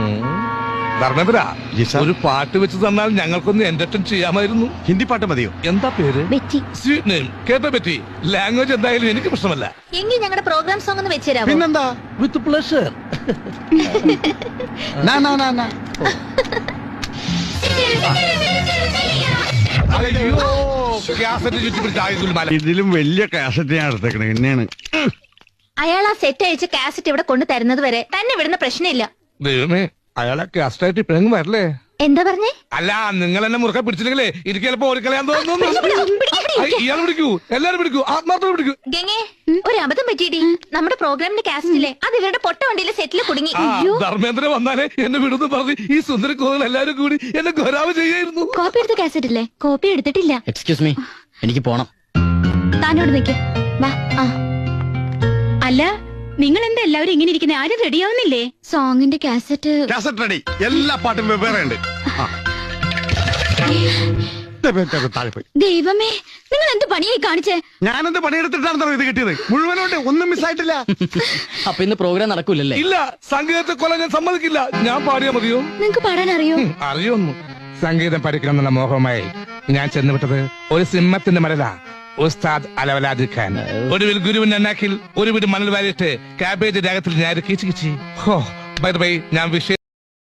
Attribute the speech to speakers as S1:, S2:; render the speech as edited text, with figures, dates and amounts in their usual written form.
S1: ധർമ്മേന്ദ്ര, ഒരു പാട്ട് വെച്ച് തന്നാൽ ഞങ്ങൾക്കൊന്ന് എന്റർടൈൻ ചെയ്യാമായിരുന്നു.
S2: ഹിന്ദി പാട്ട് മതിയോ?
S1: എന്താ പേര്?
S3: ബെറ്റി.
S1: Sweet name. കേട്ടോ ബെറ്റി? ലാംഗ്വേജ് എന്തായാലും എനിക്ക് പ്രശ്നമല്ല.
S3: എങ്കിൽ ഞങ്ങളുടെ പ്രോഗ്രാം സോങ് ഒന്ന് വെച്ചുതരാമോ?
S2: പിന്നെന്താ?
S1: With pleasure. അയ്യോ, കാസറ്റ് ചുറ്റിപ്പിടിച്ച് ആകെ ഗുൽമാല.
S2: ഇതിലും വലിയ കാസറ്റ് ഞാൻ എടുത്തേക്കണേ. എന്നെയാണ്
S3: അയാൾ ആ സെറ്റ് അയച്ച് കാസറ്റ് ഇവിടെ കൊണ്ടു തരുന്നത് വരെ തന്നെ വിടുന്ന പ്രശ്നമില്ല.
S1: ദൈവമേ, അയാളെ കാസറ്റായിട്ട് ഇപ്പഴെങ്കിലും വരല്ലേ?
S3: എന്താ പറഞ്ഞേ?
S1: അല്ല, നിങ്ങൾ എന്നെ മുറുക്കെ പിടിച്ചില്ലെങ്കിലേ എനിക്ക് ചിലപ്പോ ഓടിക്കളയാൻ തോന്നുന്നു. ഇയാൾ പിടിക്കൂ, എല്ലാരും പിടിക്കൂ, ആത്മാർത്ഥം പിടിക്കൂ.
S3: ഗംഗേ, ഒരു അബദ്ധം പറ്റിയിടി. നമ്മുടെ പ്രോഗ്രാമിന്റെ കാസറ്റിലെ അത് ഇവരുടെ പൊട്ട വണ്ടിയിലെ സെറ്റിൽ കുടുങ്ങി.
S1: ധർമ്മേന്ദ്ര വന്നാലേ എന്നെ വിടുന്നു പറഞ്ഞ് ഈ സുന്ദര കോതൽ എല്ലാരും കൂടി എന്നെ ഗൊരാവ് ചെയ്യായിരുന്നു.
S3: കോപ്പി എടുത്ത കാസറ്റ് ഇല്ലേ? കോപ്പി എടുത്തിട്ടില്ല.
S4: എക്സ്ക്യൂസ് മീ, എനിക്ക് പോണം.
S3: താനോട് നിൽക്ക്. വാ.
S5: അല്ല, നിങ്ങൾ എന്താ എല്ലാവരും ഇങ്ങനെ ഇരിക്കുന്നത്? ആരും റെഡിയാവുന്നില്ലേ?
S3: സോങ്ങിന്റെ കാസറ്റ്
S2: റെഡി. എല്ലാ പാട്ടും വെവ്വേറെ ഉണ്ട്. താഴെ പോയി.
S3: ദൈവമേ, നിങ്ങൾ എന്ത് പണിയായി കാണിച്ചേ?
S2: ഞാനെന്ത് പണിയെടുത്തിട്ടാണെന്നോ ഇത് കിട്ടിയത്? മുഴുവനോട്ട് ഒന്നും മിസ്സായിട്ടില്ല.
S4: അപ്പൊ ഇന്ന് പ്രോഗ്രാം നടക്കൂലല്ലേ?
S1: ഇല്ല, സംഗീതത്തെ കൊല്ലാൻ ഞാൻ സമ്മതിക്കില്ല. ഞാൻ പാടിയാ മതിയോ?
S3: നിങ്ങക്ക് പാടാൻ അറിയോ?
S1: അറിയൊന്നു. സംഗീതം പഠിക്കണം എന്നുള്ള മോഹമായി ഞാൻ ചെന്നുവിട്ടത് ഒരു സിംഹത്തിന്റെ മരല. ഉസ്താദ് അലവലാദി ഖാൻ. ഒടുവിൽ ഗുരുവിന്റെ അന്നാക്കിൽ ഒരു വീട് മണൽ വാരിയിട്ട് കാബേജ് രാഗത്തിൽ ഞാൻ കിച്ചി. ഹോ, ബൈ ബൈ, ഞാൻ വിഷയം